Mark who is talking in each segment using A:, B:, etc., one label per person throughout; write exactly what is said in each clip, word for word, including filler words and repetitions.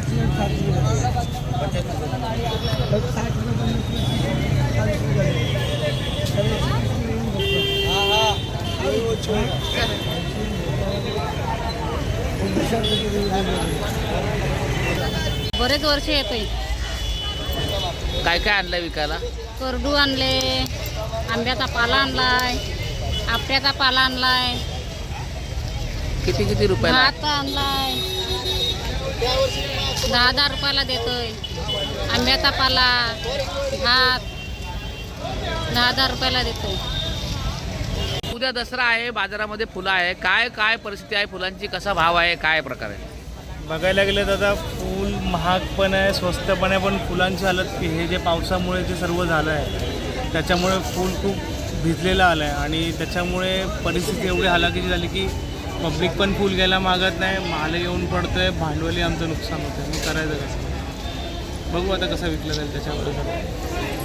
A: बरेच वर्ष येतोय.
B: काय काय आणलंय विकायला?
A: करडू आणले, आंब्याचा पाला आणलाय, आपट्याचा पाला आणलाय,
B: किती किती रुपयाला?
A: भात आणलाय, दहा दहा रुपयाला देतोय. आंब्याचा पाला, भात दहा दहा रुपयाला देतोय.
B: उद्या दसरा आहे, बाजारामध्ये फुलं आहे. काय काय परिस्थिती आहे फुलांची? कसा भाव आहे? काय प्रकार आहे?
C: बघायला गेलं तर आता फूल महाग पण आहे, स्वस्त पण आहे. पण फुलांची हालत हे जे पावसामुळे जे सर्व झालं आहे त्याच्यामुळे फूल खूप भिजलेलं आलं आहे आणि त्याच्यामुळे परिस्थिती एवढी हालाकीची झाली की पब्लिक पण फूल घ्यायला मागत नाही. माल येऊन पडतो आहे, भांडवली आमचं नुकसान होतं आहे. मग करायचं कसं? बघू आता कसं विकलं जाईल त्याच्यावर सगळं.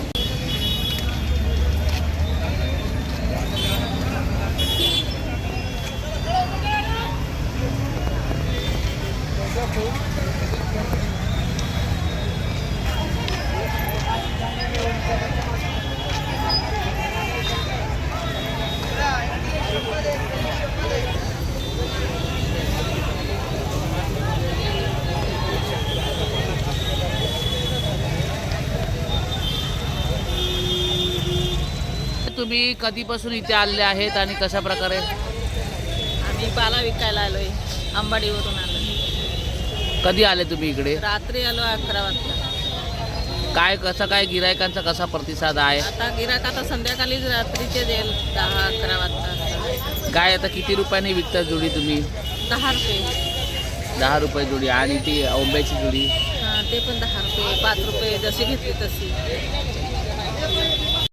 B: तुम्ही कधीपासून इथे आलेले आहेत आणि कशा प्रकारे?
D: आम्ही पाला विकायला आलोय, अंबाडीवरून आलो.
B: कधी आले तुम्ही इकडे?
D: रात्री आलो अकरा वाजता.
B: काय कसा काय गिरायकांचा कसा प्रतिसाद आहे?
D: आता गिराक आता संध्याकाळीच रात्रीचे देईल दहा अकरा वाजता.
B: काय आता किती रुपयाने विकता जोडी तुम्ही?
D: दहा रुपये.
B: दहा रुपये जोडी. आणि ती आंब्याची जोडी?
D: हां, ते पण दहा रुपये, पाच रुपये जशी घेतली तशी.